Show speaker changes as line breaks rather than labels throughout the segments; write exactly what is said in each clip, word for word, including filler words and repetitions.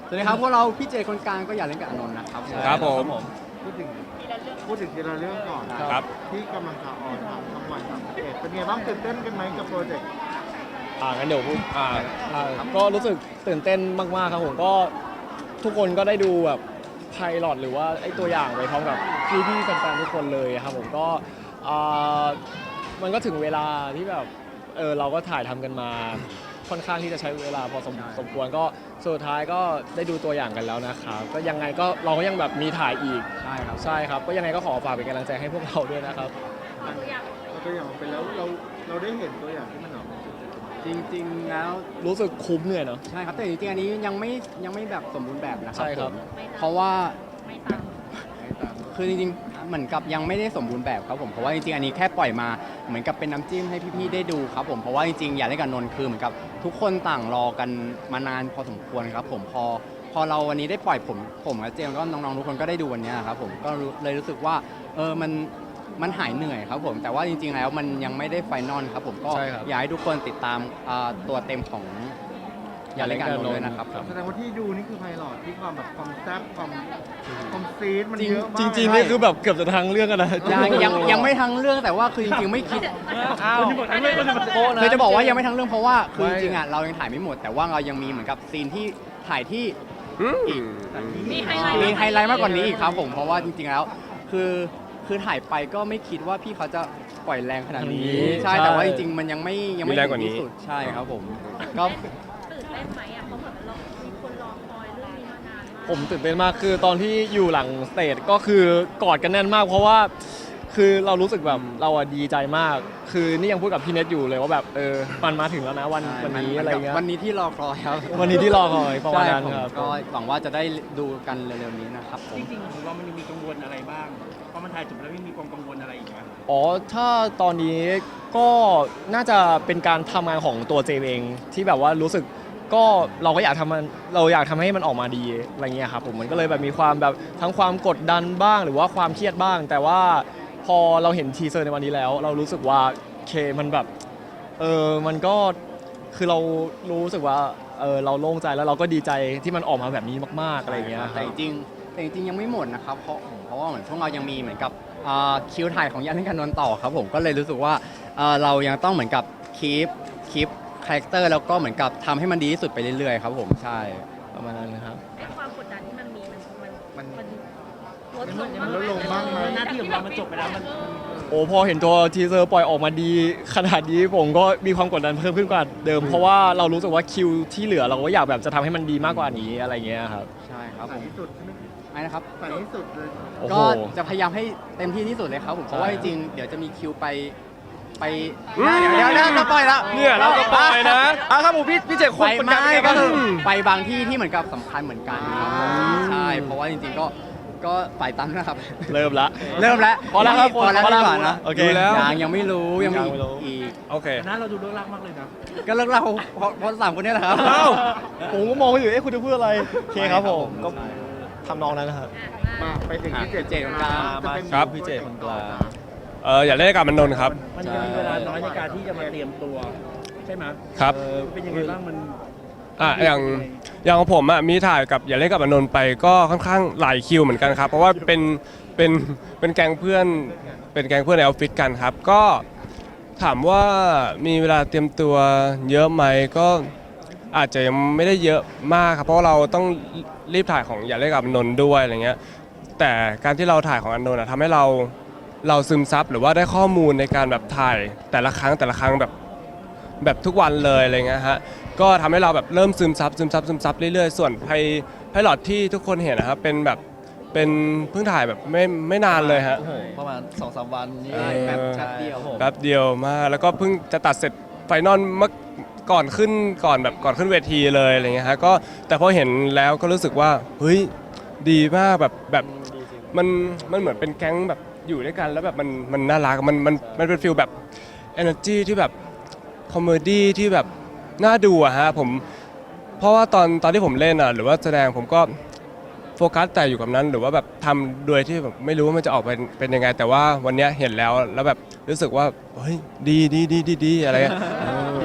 สวัสดีครับพวกเราพี่เจคนกลางก็อย่าเล่นกับอานนท์นะครับ
ครับผม
พูดถึงพูดถึงทีละเรื่องก่อน
ครับ
ที่กำลังจะออนทางช่องวันสามสิบเอ็ดเป็นไงบ้างตื่นเต้นกันไหมกับโปรเจกต์
อ่างั้นเดี๋ยวพูดอ่าอ่าก็รู้สึกตื่นเต้นมากๆครับผมก็ทุกคนก็ได้ดูแบบไพลอตหรือว่าไอ้ตัวอย่างไปพร้อมกับพี่ๆแฟนๆทุกคนเลยครับผมก็อ่ามันก็ถึงเวลาที่แบบเออเราก็ถ่ายทำกันมาค่อนข้างที่จะใช้เวลาพอสมสมควรก็สุดท้ายก็ได้ดูตัวอย่างกันแล้วนะครับก็ยังไงก็เราก็ยังแบบมีถ่ายอีก
ใช่ครับ
ใช่ครับก็ยังไงก็ขอฝากเป็นกำลังใจให้พวกเราด้วยนะครับ
เราตัวอย่างออกไปแล้วเราเราได้เห็นตัวอย่างที่มันออกมา
จริงๆแล้ว
รู้สึกคุ้มเหนื่อยเนาะ
ใช่ครับแต่จริงๆอันนี้ยังไม่ยังไม่แบบสมบูรณ์แบบนะครั
ใช่ครับ
ผมเพราะว่า
ไม่ตาม
คือจริงๆเหมือนกับยังไม่ได้สมบูรณ์แบบครับผมเพราะว่าจริงๆอันนี้แค่ปล่อยมาเหมือนกับเป็นน้ำจิ้มให้พี่ๆได้ดูครับผมเพราะว่าจริงๆอย่าเล่นกับนนท์คือเหมือนกับทุกคนต่างรอกันมานานพอสมควรครับผมพอพอเราวันนี้ได้ปล่อยผมผมกับเจมส์ก็น้องๆทุกคนก็ได้ดูวันนี้ครับผมก็รู้เลยรู้สึกว่าเออมันมันหายเหนื่อยครับผมแต่ว่าจริงๆแล้วมันยังไม่ได้ไฟนอลครับผมก็
ใช่ครับ
อยากให้ทุกคนติดตามอ่าตัวเต็มของอย่าเล่นกับนนท์ด้วยนะครับ
แสดงว่าที่ดูนี่คือไพลอตที่ความแบบความแซ่บความความซีดมัน
จริง
เยอะมาก
จริงๆนี่คือแบบเกือบจะทั้งเรื่องกันนะ
ยังยังยังไม่ทั้งเรื่องแต่ว่าคือจริงๆไม่คิด
อ้าว
คือจะบอกว่ายังไม่ทั้งเรื่องเพราะว่าคือ
ไม่
จริงๆอ่ะเรายังถ่ายไม่หมด แต่ว่าเรายังมีเหมือนกับซีนที่ถ่ายที่อีก
มีไฮไลท์
มีไฮไลท์มากกว่านี้อีกครับผมเพราะว่าจริงๆแล้วคือคือถ่ายไปก็ไม่คิดว่าพี่เขาจะปล่อยแรงขนาดนี้ ใช่แต่ว่าจริงๆมันยังไม่ยังไม่
มีแรงกว่านี้
ถึที่สุดใช่ครับผมก็
ตื่นเต้นไหมอ่ะเพราะเหมือนเรามีคนรอคอยเรื่องนี้มานานมาก
ผมตื่นเต้นมากคือตอนที่อยู่หลังสเตจก็คือกอดกันแน่นมาก เพราะว่าคือเรารู้สึกแบบเราอะดีใจมาก คือนี่ยังพูดกับพี่เน็ตอยู่เลยว่าแบบเออมันมาถึงแล้วนะวันวันนี้อะไรเงี้ย
วันนี้ที่รอคอยครับ
วันนี้ที่รอคอยประมาณ
ใช่
นั้น
ผม
ครับ
ก็หวังว่าจะได้ดูกันเร็วๆนี้นะครับผม
จริงๆผมว่ามันยังมีกังวลอะไรบ้างเพราะมันถ่ายจบแล้วไม่มีความกังวลอะไรอีกไหม
อ๋อถ้าตอนนี้ก็น่าจะเป็นการทำงานของตัวเจมเองที่แบบว่ารู้สึกก็เราก็อยากทำมันเราอยากทำให้มันออกมาดีอะไรเงี้ยครับผมมันก็เลยแบบมีความแบบทั้งความกดดันบ้าง หรือว่าความเครียดบ้าง แต่ว่าพอเราเห็นทีเซอร์ในวันนี้แล้ว เรารู้สึกว่าเคมันแบบเออมันก็คือเรารู้สึกว่าเออเราโล่งใจแล้วเราก็ดีใจที่มันออกมาแบบนี้มากๆอะไรเงี้ย
แต่จริงๆแต่จริงๆยังไม่หมดนะครับเพราะเพราะว่าเหมือนพวกเรายังมีเหมือนกับอ่าคิวถ่ายของยันเล่นกันนนท์ต่อครับผมก็เลยรู้สึกว่าเอ่อเรายังต้องเหมือนกับคีปคีปคาแรคเตอร์แล้วก็เหมือนกับทำให้มันดีที่สุดไปเรื่อยๆครับผมใช่
ประมาณนั้นนะครับ
ไอ้ความกดดันที่มันมีมันมัน
มัน
มันลดลง
มันลดลงบ้างไหม
หน้าที่ของเรามันจบไปแล้วมัน
โอ้พอเห็นตัวทีเซอร์ปล่อยออกมาดีขนาดนี้ผมก็มีความกดดันเพิ่มขึ้นกว่าเดิม เพราะว่าเรารู้สึกว่าคิวที่เหลือเราก็อยากแบบจะทำให้มันดีมากกว่านี้อะไรเงี้ยครับ
ใช่ครับ
ใส่
ผม
ที่สุดใช่ไหม
ไอ้นะครับ
ใส่ที่สุดเลย
โอ้โห
ก็จะพยายามให้เต็มที่ที่สุดเลยครับผมเพราะว่า
ใช่
จริงๆเดี๋ยวจะมีคิวไปไปเดี๋ยวเดี๋ยวเดี๋ยวจะปล่อยแล้ว
เนี่ยเราก็ปล่อยนะอ่ะครับผมพี่พี่เจ
ไป
คนเป็น
ไม่
การ
ก็คือไปบางที่ที่เหมือนกับสำคัญเหมือนกันครับผมใช่เพราะว่าจริงๆก็ก็ฝ่ายตั้งนะครับ
เริ่มละ
เริ่มแล้ว
พอแล้วครับ
พอแล้ว
พอแล้ว
ดีกว่านะ
โอเค
ดูแล้ว
ยังยังไม่รู้ยังมี
ยังไม่รู้
อีก
โอเค
แต่หน้าเราดูเลิกลักมากเลยนะ
ก็เลิกเล่าเพราะเพราะสามคนนี้แหละครับ
อ้าวผมก็มองอยู่เอ๊ะคุณจะพูดอะไรโอเคครับผมก็
ใช่
ทำนองนั้นนะครับ
มาไปถึงที่เจ็ด
เจ็ดของกลาง
จะเป็น
ครับ
พี่เจคนกลาง
เอออย่าเล่นกับมันนนท์ครับ
มันยังมีเวลาน้อยในการที่จะมาเตรียมตัวใช่ไหม
ครับ
เออเป็นยังไงบ้างมัน
อ่ะอย่างอย่างของผมอ่ะมีถ่ายกับอย่าเล่นกับอนนท์ไปก็ค่อนข้างหลายคิวเหมือนกันครับ เพราะว่าเป็นเป็นเป็นแก๊งเพื่อนเป็นแก๊งเพื่อนในออฟฟิศกันครับ ก็ถามว่ามีเวลาเตรียมตัวเยอะไหมก็อาจจะยังไม่ได้เยอะมากครับเพราะว่าเราต้องรีบถ่ายของอย่าเล่นกับอนนท์ด้วยอะไรเงี้ยแต่การที่เราถ่ายของอนนท์อะทำให้เราเราซึมซับหรือว่าได้ข้อมูลในการแบบถ่ายแต่ละครั้งแต่ละครั้งแบบแบบทุกวันเลยอะไรเงี้ยฮะ ก็ทำให้เราแบบเริ่มซึมซับซึมซับซึมซับเรื่อยๆ ส่วนไพไพลอตที่ทุกคนเห็นนะครับเป็นแบบเป็นเพิ่งถ่ายแบบไม่ไม่นานเลยฮะ
โอ้โหประมาณ สองสาม วันนี้
เออ
แบบชัดเดียว
แป๊บเดียวมากแล้วก็เพิ่งจะตัดเสร็จไฟนอลเมื่อก่อนขึ้นก่อนแบบก่อนขึ้นเวทีเลยอะไรเงี้ยฮะก็แต่พอเห็นแล้วก็รู้สึกว่าเฮ้ยดีมากแบบแบบมันมันเหมือนเป็นแก๊งแบบอยู่ด้วยกันแล้วแบบมันมันน่ารักมันมันมันเป็นฟีลแบบ energy ที่แบบคอมเมดี้ที่แบบน่าดูอะฮะผมเพราะว่าตอนตอนที่ผมเล่นอะหรือว่าแสดงผมก็โฟกัสแต่อยู่กับนั้นหรือว่าแบบทำโดยที่แบบไม่รู้ว่ามันจะออกเป็นเป็นยังไง แต่ว่าวันเนี้ยเห็นแล้วแล้วแบบรู้สึกว่าเฮ้ยดีดีดีดีดีอะไรอะ
ดี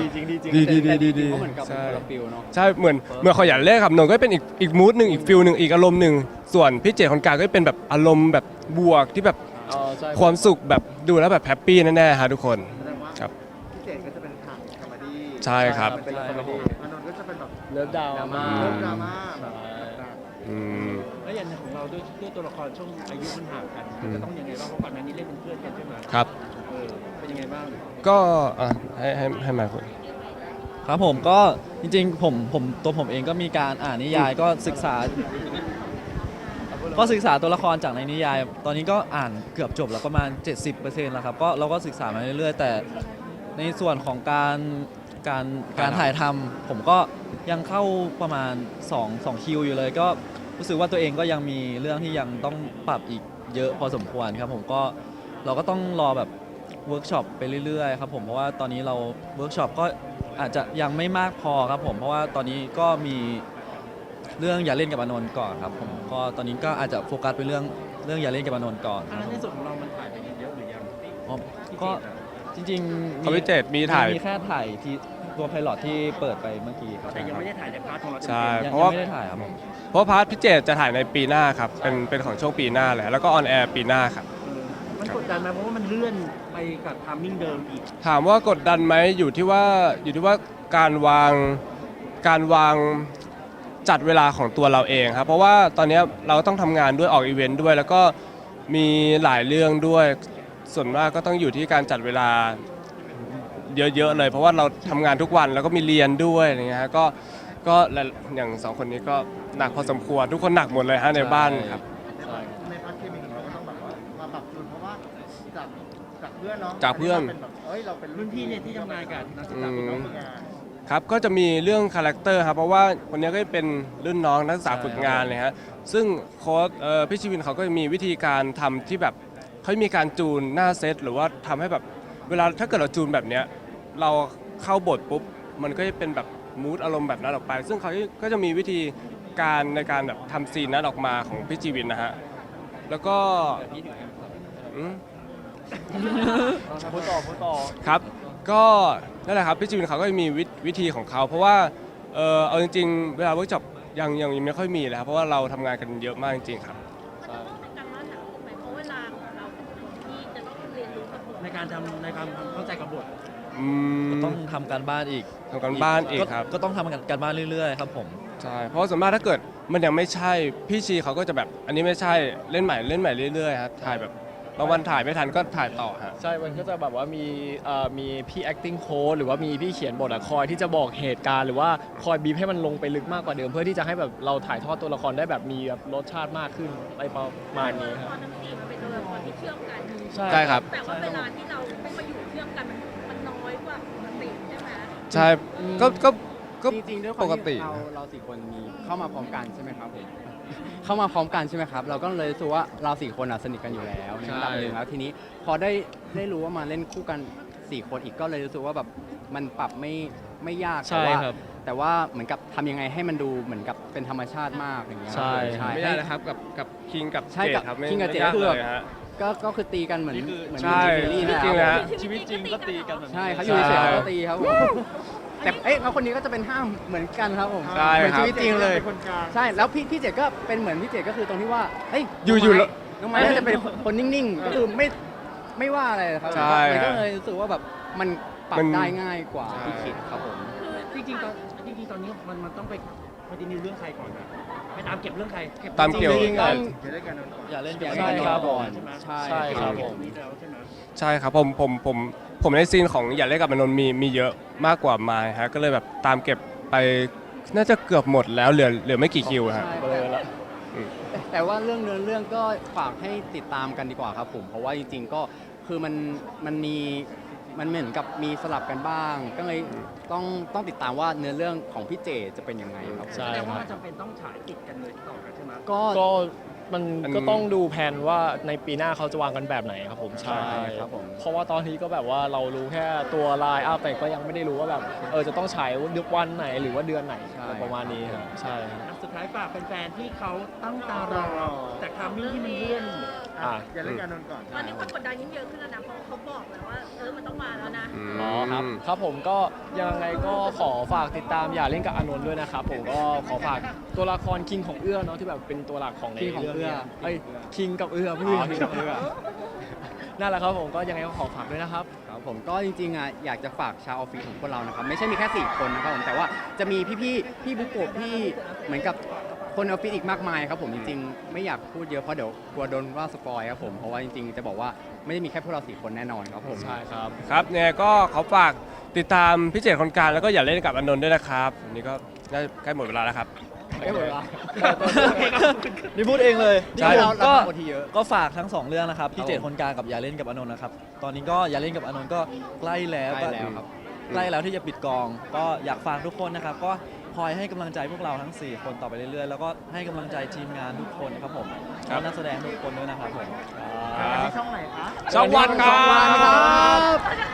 ดีจริงดีจริง
ดีดีดีดีดี
ก็เหมือนกับเป็น
ใช่
คนละฟิลเนาะ
ใช่เหมือนเหมื่อนขออย่าเล่นครับนนท์ก็เป็นอีกอีกมูดหนึ่งอีกฟิลหนึ่งอีกอารมณ์หนึ่งส่วนพี่เจคนกลางก็เป็นแบบอารมณ์แบบบวกที่แบบ
อ๋อใช่
ความสุขแบบดูแล้วแบบแฮปปี้แน่ๆฮะทุกคน
แสดงว่า
ครับ
พี่เจก็จะเป็นทางคอมเมดี้
ใช่ครับ
เป็นคอมเมดี้
อานนท์ก็จะเป็นแบบ
เลิฟดาวมา
เริ่มดราม่าแบบ
อืม
แล้วอย่างของเราด้วยด้วยตัวละครช่วงอายุมันห่างกัน
อืม
จะต้องยังไงบ้างเพราะก่อนหน้านี้เล่นเป็นเพื่อนกันใช่ไหม
ครับ
เออเป็นยังไงบ้าง
ก็อ่ะให้ให้ให้มาคุณ
ครับผมก็จริงๆผมผมตัวผมเองก็มีการอ่านนิยายก็ศึกษา ก็ศึกษาตัวละครจากในนิยาย ตอนนี้ก็อ่านเกือบจบแล้วประมาณ เจ็ดสิบเปอร์เซ็นต์ แล้วครับก็เราก็ศึกษามาเรื่อยๆ แต่ในส่วนของการการการถ่ายทำผมก็ยังเข้าประมาณ2 2คิวอยู่เลย ก็รู้สึกว่าตัวเองก็ยังมีเรื่องที่ยังต้องปรับอีกเยอะพอสมควรครับผมก็เราก็ต้องรอแบบเวิร์กช็อปไปเรื่อยๆครับผมเพราะว่าตอนนี้เราเวิร์กช็อปก็อาจจะยังไม่มากพอครับผมเพราะว่าตอนนี้ก็มีเรื่องอย่าเล่นกับอานนท์ก่อนครับผมก็ตอนนี้ก็อาจจะโฟกัสไปเรื่องเรื่องอย่าเล่นกับอานนท์ก่อน
อันนั้นในส่วนของเรามันถ่ายไปเยอะหรือยัง
อ๋อก็จริงๆ
เขาพิเจตมีถ่าย
มีแค่ถ่ายที่ตัวไพลอตที่เปิดไปเมื่อกี้ครับ
แต่ยังไม่ได้ถ่ายในพาร์ทของเรา
ใช่
ยัง
เพราะว่า
ยังไม่ได้ถ่ายครับผม
เพราะพาร์ทพิเจตจะถ่ายในปีหน้าครับเป็นเป็นของช่วงปีหน้าแหละแล้วก็ออนแอร์ปีหน้าครับ
มันกดดันไหมเพราะว่ามันเลื่อนไปกับทามมิ่งเดิมอีก
ถามว่ากดดันไหมอยู่ที่ว่าอยู่ที่ว่าการวางการวางจัดเวลาของตัวเราเองครับเพราะว่าตอนนี้เราต้องทำงานด้วยออกอีเวนต์ด้วย แล้วก็มีหลายเรื่องด้วยส่วนมากก็ต้องอยู่ที่การจัดเวลาเยอะๆเลย เพราะว่าเราทำงานทุกวันแล้วก็มีเรียนด้วยอะไรเงี้ยฮะก็ก็และอย่างสองคนนี้ก็หนักพอสมควรทุกคนหนักหมดเลยฮะในบ้านครับ
ในพาร์ทเคมีของเราก็ต้องแบบว่ามาปรับจูนเพราะว่าจากจากเพื่อนเนาะ
จากเพื่อน
เป็นแบบเอ้ยเราเป็น
รุ่นพี่เนี่ยที่ทำงานกับนักศึกษาเป็นน้องฝึกงาน
ครับก็จะมีเรื่องคาแรคเตอร์ครับเพราะว่าคนนี้ก็เป็นรุ่นน้องนักศึกษาฝึกงานเลยฮะซึ่งโค้ชเอ่อพี่ชีวินเขาก็จะมีวิธีการทำที่แบบเขามีการจูนหน้าเซตหรือว่าทำให้แบบเวลาถ้าเกิดเราจูนแบบเนี้ยเราเข้าบทปุ๊บมันก็จะเป็นแบบมูดอารมณ์แบบนั้นออกไป ซึ่งเขาก็จะมีวิธีการในการแบบทำซีนนั้นออกมาของพี่ชีวินนะฮะแล้วก็อืม
พูดต่อพูดต่อ
ครับ ก็นั่นแหละครับพี่จีวินเขาก็มีวิวิธีของเขา เพราะว่าเออเอาจริงๆ เวลาเวิร์กช็อปยังยังยังไม่ค่อยมีเลยครับเพราะว่าเราทำงานกันเยอะมากจริงๆครับ
เป็นการบ้านหนักไหมเพราะเวลาของเราเป็นคนที่จะต้องเรียนรู้กับบท
ในการทำในการทำเข้าใจกับบท
อืม
ต้องทำการบ้านอีก
ทำกันบ้านอีกครับ
ก็ต้องทำการบ้านเรื่อยๆครับผม
ใช่เพราะว่าส่วนมากถ้าเกิดมันยังไม่ใช่พี่ชีเขาก็จะแบบอันนี้ไม่ใช่เล่นใหม่เล่นใหม่เรื่อยๆครับถ่ายแบบบางวันถ่ายไม่ทันก็ถ่ายต่อฮะ
ใช่ มันก็จะแบบว่ามีเอ่อมีพี่ acting coach หรือว่ามีพี่เขียนบทอะคอยที่จะบอกเหตุการณ์หรือว่าคอยบีบให้มันลงไปลึกมากกว่าเดิม เพื่อที่จะให้แบบเราถ่ายทอดตัวละครได้แบบมีแบบรสชาติมากขึ้นอะไรประมาณนี้ครับ
ตอนนั้นพี่มันเป็นตัวละครที่เชื่อมกัน
ใช่ครับ
แต่ว่าเวลาที่เราต้องมาอยู่เชื่อมกันมันมันน้อยกว่าปกติใช่ไหม
ใช่ก็ก็ก็
จริงๆด้วยค
ป
วาม
กติ
ที่เราเราสี่คนมีเข้ามาพร้อมกันใช่ไหมครับผมเข้ามาพร้อมกันใช่ไหมครับ เราก็เลยรู้สึกว่าเราสี่คนอ่ะสนิทกันอยู่แล้วในระดับหนึ่งแล้วทีนี้พอได้ได้รู้ว่ามาเล่นคู่กันสี่คนอีกก็เลยรู้สึกว่าแบบมันปรับไม่ไม่ยาก
ใช่
แต่ว่า
ครับ
แต่ว่าเหมือนกับทำยังไงให้มันดูเหมือนกับเป็นธรรมชาติมากอย่างเงี้ย
ใช่
ใช่
ไม่ได้นะครับกับกับคิงกับ
ใช่
เจ
กั
ด
บ
ครับไม่
คิงกับเจด
ไม่ยา
คือ
เลยฮะ
ก็ก็คือตีกันเหมือนเหมือนอ
ใช่
ยู่ในซีรีส์
จริงๆเลยฮะ
ชีวิตจริงก็ตีกันแบบนี้
ใช่เขาอยู่ในเฉยๆเขาก็ตีครับผมแต่เอ้ยแล้วคนนี้ก็จะเป็นห้ามเหมือนกันครับผม
ใช่
เหมือน
ครับ
ชีวิตจริงเลย
เป็นคนกลาง
ใช่ แล้วพี่พี่เจดก็เป็นเหมือนพี่เจดก็คือตรงที่ว่า เฮ้ย
อยู่
น้ง
อยู่
ไม้
แล้ว
น้องไม้น่าจะเป็นคนนิ่งๆ ก็คือไม่ไม่ว่าอะไรครับ
ใช่
มันก็
ฮะ
เลยรู้สึกว่าแบบมันปรั
มั
บ
น
ได้ง่ายกว่า
ใช่
ที่คิดครับผม
จริงๆตอนจริงๆตอนนี้มันมันต้องไปคอนติเนียเรื่องใครก่อนนะไปตามเก็บเรื่องใครเก็บ
ตามเกี่ยว
จริงๆ
เอ่อ
จะได้กันนอนก่อน
อย่าเล่น
อย่า
กับ
เล่น
ใช่
กับ
ครับ
ก่อน
ใช่ไหม
ใช่
ใช่ครับผม
นี่แล้วใช่ไหม
ใช่ครับผมผมผมผมในซีนของอย่าเล่นกับมนนท์มีมีเยอะมากกว่าไมายฮะก็เลยแบบตามเก็บไปน่าจะเกือบหมดแล้วเหลือเหลือไม่กี่คิวฮะ
ใช่
เบลอละ
แต่แต่ว่าเรื่องเนื้อเรื่องก็ฝากให้ติดตามกันดีกว่าครับผม เพราะว่าจริงๆก็คือมันมันมีมันเหมือนกับมีสลับกันบ้าง ก็เลยต้องต้องติดตามว่าเนื้อเรื่องของพี่เจจะเป็นยังไงครับผม
ใช่
แสดง
ค
ว่า
รับ
มันจำเป็นต้องฉายติดกันเลยต่อกันใช่ไหม
ก็
ก็มัน
อัน
ก็ต้องดูแผนว่าในปีหน้าเขาจะวางกันแบบไหนครับผม
ใช่ครับผม
เพราะว่าตอนนี้ก็แบบว่าเรารู้แค่ตัวไลน์อัพแต่ก็ยังไม่ได้รู้ว่าแบบเออจะต้องฉายวันไหนหรือว่าเดือนไหน
ใช่
ประมาณนี้ครับใช่ครับ
สุดท้ายฝากแฟนๆที่เขาตั้งตารอจากทามมิ่งที่มันเลื่อน
อ่ะอย่าเล่นการนนท์ก่อน
ตอนนี้ความกดดันยิ่งเยอะขึ้นแล้วนะเพราะเขาบอกแล้วว่าเออมันต้องมาแล้วนะ
อ๋อครับครับผมก็ยังไงก็ขอฝากติดตามอย่าเล่นกับอานนท์ด้วยนะครับผมก็ขอฝากตัวละครคิงของเอื้อเนาะที่แบบเป็นตัวหลักของใน
King ของ
เรื่อง
เอื้อ
นี้ไอ้คิงกับเอื้อ
อ๋
เพื่อ
อ King กับเอื้อ
นั่นแหละครับผมก็ยังไงก็ขอฝากด้วยนะครับ
ครับผมก็จริงๆอ่ะอยากจะฝากชาวออฟฟิศของพวกเรานะครับไม่ใช่มีแค่สี่คนนะครับผมแต่ว่าจะมีพี่ๆพี่บุโกะพี่เหมือนกับคนออฟฟิศอีกมากมายครับผมจริงๆ ไม่อยากพูดเยอะเพราะเดี๋ยวกลัวโดนว่าสปอยครับผมเพราะว่าจริงๆจะบอกว่าไม่ได้มีแค่พวกเราสี่คนแน่นอนครับผม
ใช่ครับ
ครับเนี่ยก็ขอฝากติดตามพี่เจตคนกลางแล้วก็อย่าเล่นกับอานนท์ด้วยนะครับวันนี้ก็ได้ใกล้หมดเวลาแล้วครับ
ไม่หมดเวลา นี่พูดเองเลย
ใช่
เรา
ก็
เราทำโอทีเยอะ
ก็ฝากทั้งสองเรื่องนะครับ
ครั
พี่
บ
เจตคนกลางกับอย่าเล่นกับอานนท์นะครับ ตอนนี้ก็อย่าเล่นกับอานนท์ก็ใกล้แล้ว
ใกล้แล้วครับ
ใกล้แล้วที่จะปิดกอง ก็อยากฝากทุกคนนะครับ ก็คอยให้กำลังใจพวกเราทั้ง สี่ คนต่อไปเรื่อยๆ แล้วก็ให้กำลังใจทีมงานทุกคนครับผม
ครั
แล้
บ
วนักแสดงทุกคนด้วยนะครับผม
อันนี้ช่องไหนคะ
ช่องวันครั
ช่องวันครับ บ
เขาจะ